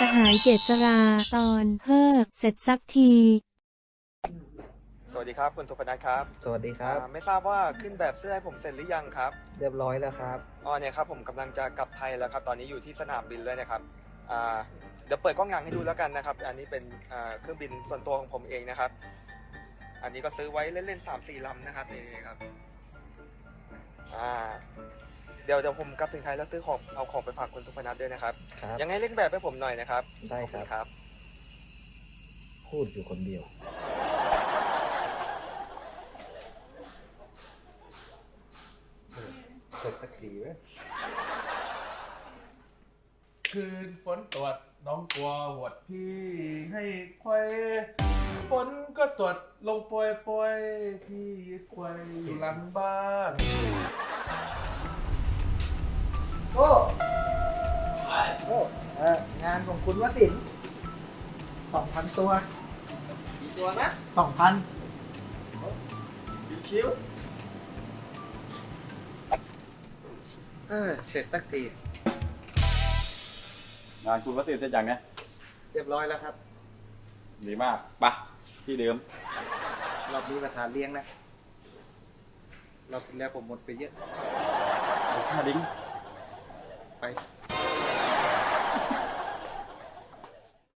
สหายเกษราตอนเพิกเสร็จสักทีสวัสดีครับคุณสุพนัทครับสวัสดีครับไม่ทราบว่าขึ้นแบบเสื้อให้ผมเสร็จหรือยังครับเรียบร้อยแล้วครับเนี่ยครับผมกำลังจะกลับไทยแล้วครับตอนนี้อยู่ที่สนามบินเลยนะครับอ่าเดี๋ยวเปิดกล้องหลังให้ดูแล้วกันนะครับอันนี้เป็นเครื่องบินส่วนตัวของผมเองนะครับ อันนี้ก็ซื้อไว้เล่นๆ3-4 ลำนะครับนี่ครับเดี๋ยวผมกลับถึงไทยแล้วซื้อของเอาของไปฝากคุณสุพนัทด้วยนะครับครับยังไงเล่นแบบให้ผมหน่อยนะครับได้ครับขอณครับพูดอยู่คนเดียวเสร็จสักทีไหมคืนฝนตรวจน้องกลัวหวดพี่ให้ควายฝนก็ตรวจลงปล่อยพี่ควายอยู่หลังบ้านโอ้งานของคุณวสินทร์2,000 ตัวกี่ตัวนะ 2,000 ชิวๆเสร็จสักทีงานคุณวัสดุเสร็จยังเนี่ยเรียบร้อยแล้วครับดีมากปะที่เดิมรอบนี้ประธานเลี้ยงนะรอบที่แล้วผมหมดไปเยอะค่าดิ้งไป